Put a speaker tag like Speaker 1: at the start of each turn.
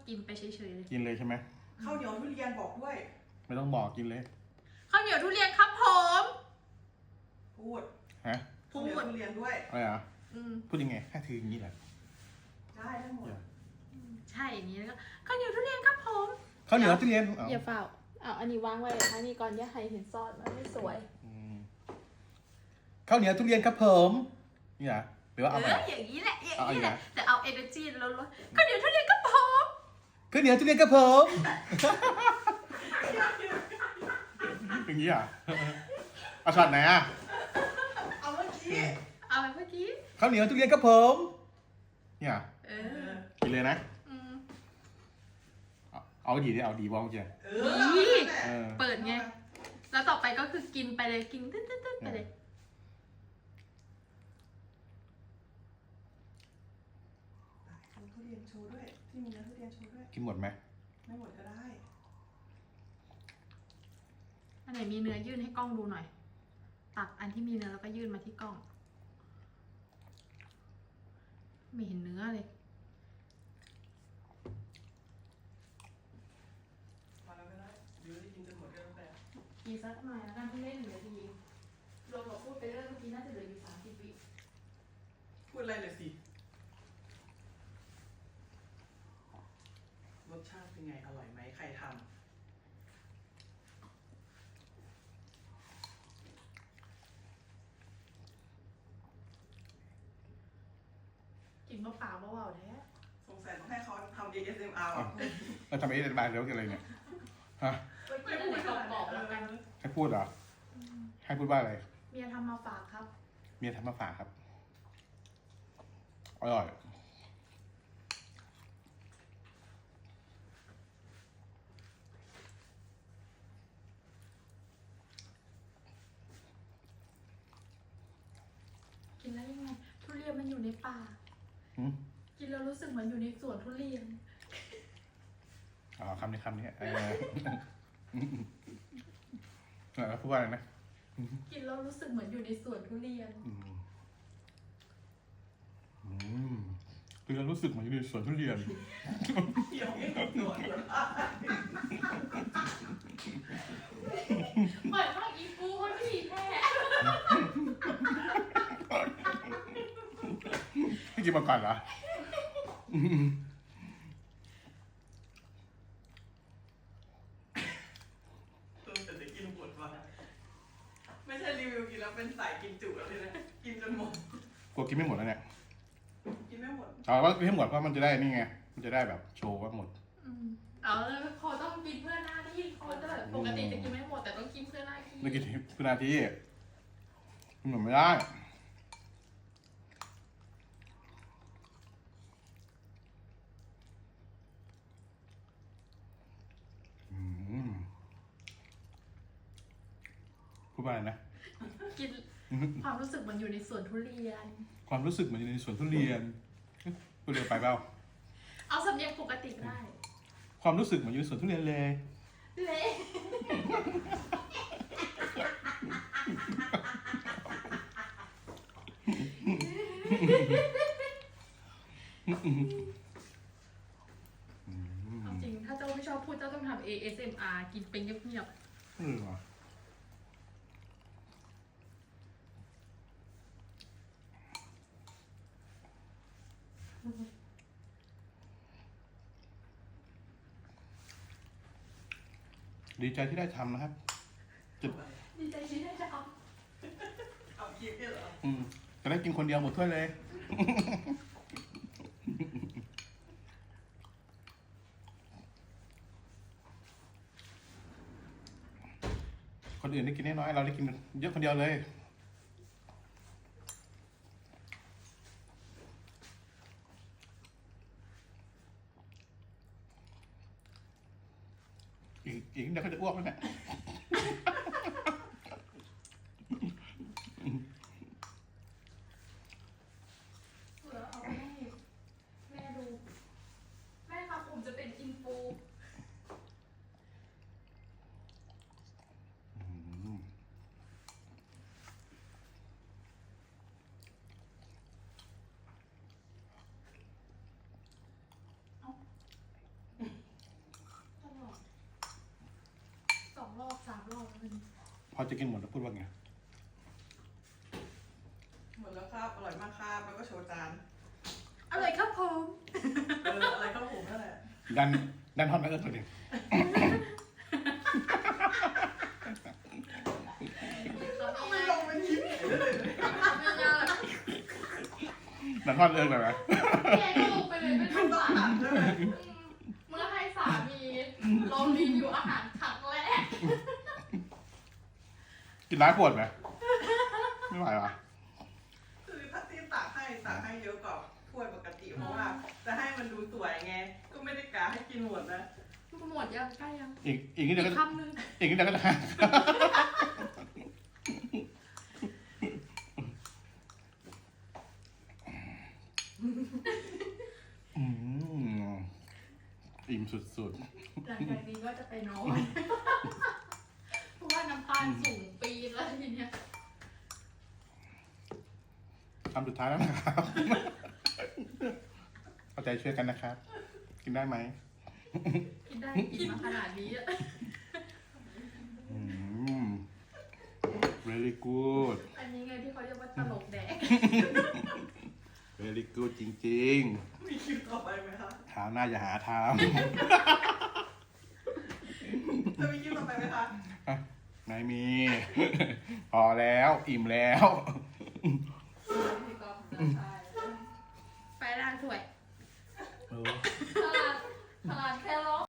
Speaker 1: กินไปเฉยๆเลย
Speaker 2: กินเลยใช่ไหม
Speaker 3: ข้าวเหนียวทุเรียนบอกด้วย
Speaker 2: ไม่ต้องบอกกินเลย
Speaker 1: ข้าวเหนียวทุเรียนครับผม
Speaker 3: พูด
Speaker 2: ฮะ
Speaker 3: ข้าวเหนียวทุเรียนด้วย
Speaker 2: อะไรอ่ะ
Speaker 1: อืม
Speaker 2: พูดยังไงแค่ถืออย่างนี้แหละ
Speaker 3: ได้ทั้งหมด
Speaker 1: ใช่อย่างนี้แล้วก็ข้าวเหนียวทุเรียนครับผม
Speaker 2: ข้าวเหนียวทุเรียน
Speaker 1: อย่าเฝ้าเอาอันนี้วางไว้ทางนี้ก่อนอย่าให้เห็นซอสมันไม่สวย
Speaker 2: ข้าวเหนียวทุเรียนครับผมนี่นะหรือว่าเอาไป
Speaker 1: อย่างนี้แหละอย่าง
Speaker 2: เอาอี
Speaker 1: นี้
Speaker 2: ก
Speaker 1: แห
Speaker 2: นะ
Speaker 1: ละแต่เอา energy ลดๆข้าวเหนียวทุเรียนครับผม
Speaker 2: ข้าวเหนียวทุเรียนครับผม อย่างนี้อ่ะเอาช็อตไหนอ่ะ
Speaker 3: เอาเมื่อกี้
Speaker 1: เอาไปเมื่อกี้
Speaker 2: ข้าวเหนียวทุเรียนครับผมเนี่ย
Speaker 1: เออ
Speaker 2: กินเลยนะ
Speaker 1: อืม
Speaker 2: เอาดีดิเอาดีบ้างเจีย
Speaker 3: เออ
Speaker 1: เปิดไง แล้วต่อไปก็คือกินไปเลยกินตึ๊ดๆๆไปเลย
Speaker 3: เอาทุเรียนโชว์ด้วย ที่มีเนื้อทุเรียนโชว์ด้วย
Speaker 2: กินหมดไหม
Speaker 3: ไม่หมดก็ได้
Speaker 1: อันไหนมีเนื้อยื่นให้กล้องดูหน่อย ตักอันที่มีเนื้อแล้วก็ยื่นมาที่กล้อง ไม่เห็นเนื้อเลย
Speaker 3: มาแล้วก็ได้เดี๋ยวได้กินจนหมดก็แล้วแต่
Speaker 1: อีกสักหน่อยแล้วกันที่เล่น1 นาทีรวมกับพูดไปเรื่อยเมื่อกี้น่าจะเหลืออยู่30 วิ
Speaker 3: พูดอะไรเลยสิ รสชาติเป็นไง อร่อยไหม ใครทำ
Speaker 1: กินเปล่าๆเบาๆแท้
Speaker 3: สงสัยต้องให้เขาทำ ASMR
Speaker 2: อ้าวแล้วทำไมได้บายเดี๋ยวกินอะไรเนี่ยฮะ
Speaker 1: ไว้กินอะไรกรอบๆแล้วกัน
Speaker 2: ให้พูดเหรอให้พูดว่าอะไร
Speaker 1: เมียทำมาฝากครับ
Speaker 2: เมียทำมาฝากครับอร่อย
Speaker 1: กินแล้วยังไง ทุเรียนมันอยู่ในป่า
Speaker 2: หืม
Speaker 1: กินแล้วรู้สึกเหมือนอยู่ในสวนทุเรียน
Speaker 2: อ๋อคำนี้แล้วพูดว่าอะไรนะ
Speaker 1: กินแล้วรู้สึกเหมือนอยู่ในสวนทุเรียน
Speaker 2: คือเรารู้สึกเหมือนอยู่ในสวนทุเรียน
Speaker 3: เดี๋ยวไม่หมดเลย
Speaker 1: เหมือนว่าอีกูคนผีแท้
Speaker 2: พี่กินมาก่อนเหรอ
Speaker 3: แต่จะกินหมดวะไม่ใช่รีวิวกินแล้วเป็นสายกินจุแล้วเลยนะ กินจนหมด
Speaker 2: กลัวกินไม่หมดแล้วเนี่ย
Speaker 3: กินไม่หมด
Speaker 2: เอาว่ากินให้หมดเพราะมันจะได้นี่ไง มันจะได้แบบโชว์ว่าหมด
Speaker 1: พอต้องกินเพื่อหน้าที่เขาจะแบบปกติจะกินไม่หมดแต่ต้องกินเพื่อหน้าที่
Speaker 2: ไม่กี่นาทีกินหมดไม่ได้พูดว่าอะไรนะ
Speaker 1: กินความรู้สึกเหมันอยู่ในสวนทุเรียน
Speaker 2: ความรู้สึกเหมือนอยู่ในสวนทุเรียนพูดเร็วไปเปล่า
Speaker 1: เอาสำเนียงปกติได้
Speaker 2: ความรู้สึกเหมือนอยู่ในสวนทุเรียนเลย
Speaker 1: เละ จริงถ้าเจ้าไม่ชอบพูดเจ้าต้องทำ ASMR กินเป็นเงียบ
Speaker 2: ว่ะดีใจที่ได้ทำนะครับ
Speaker 1: ๆดีใจที่ได้จะเอา
Speaker 3: เอากินได้เหรอ
Speaker 2: จะได้กินคนเดียวหมดถ้วยเลย คนอื่นได้กินน้อยๆเราได้กินเยอะคนเดียวเลย อีกเดี๋ยวก็จะอ้วกแล้วเนี่ย
Speaker 1: เหลือเอาให้แม่ดู แม่ครับผมจะเป็นอินฟู
Speaker 2: พอจะกินหมดแล้วพูดว่าไง
Speaker 3: หมดแล้วครับอร่อยมากครับแล้วก็โชว์จาน
Speaker 1: อร่อยครับผม
Speaker 3: อะไรข้าวผมนั่นแหละ
Speaker 2: ดันทอดนักเอิญตัวเดียว
Speaker 3: ทำไมลงเป็นยิ้มเลย
Speaker 2: ดันทอดเอิญแบบไหน
Speaker 1: แกก็ลงไปเลยไม่ต้อง
Speaker 3: ต้อง
Speaker 1: สั่ง
Speaker 3: ตัดด้วย
Speaker 1: เมื่อให้สามีลองรีวิวอาหารครั้งแรก
Speaker 2: กินร้ายปวดไหมไม่ไหววะ
Speaker 3: คือถ้าที่ตักให้เยอะกว่าถ้วยปกติเพราะว่าจะให้มันดูสวยไง ก็ไม่ได้กะให้กินหมดนะ
Speaker 1: หมดยังใกล้ยัง
Speaker 2: อีกนิดเดียวก็
Speaker 1: คำนึง
Speaker 2: อีกนิดเดียวก็จะอืมอิ่มสุด
Speaker 1: หลังจากนี้ก็จะไปนอนเพราะว่าน้ำตาลสูงปีนแล้วทีเนี้ย
Speaker 2: ๆคำสุดท้ายแล้วนะครับเอาใจช่วยกันนะครับ กินได้ไหม
Speaker 1: กินได้กินมาขนาดนี้อะ
Speaker 2: อืม very good
Speaker 1: อันนี้ไงที่เขาเรียกว่าตลกแดก
Speaker 2: very good จริง
Speaker 3: มีคิวต่อไปไหมคะ
Speaker 2: ๆถามหน้าอย่าหาท
Speaker 3: จะมีคิวต่อไปไหมคะ
Speaker 2: ำไม่มี พอแล้ว อิ่มแล้ว
Speaker 1: พี่ก๊อฟใช่ไปร้านถ้วย
Speaker 2: เออ
Speaker 1: ตลาดแค่ร้อง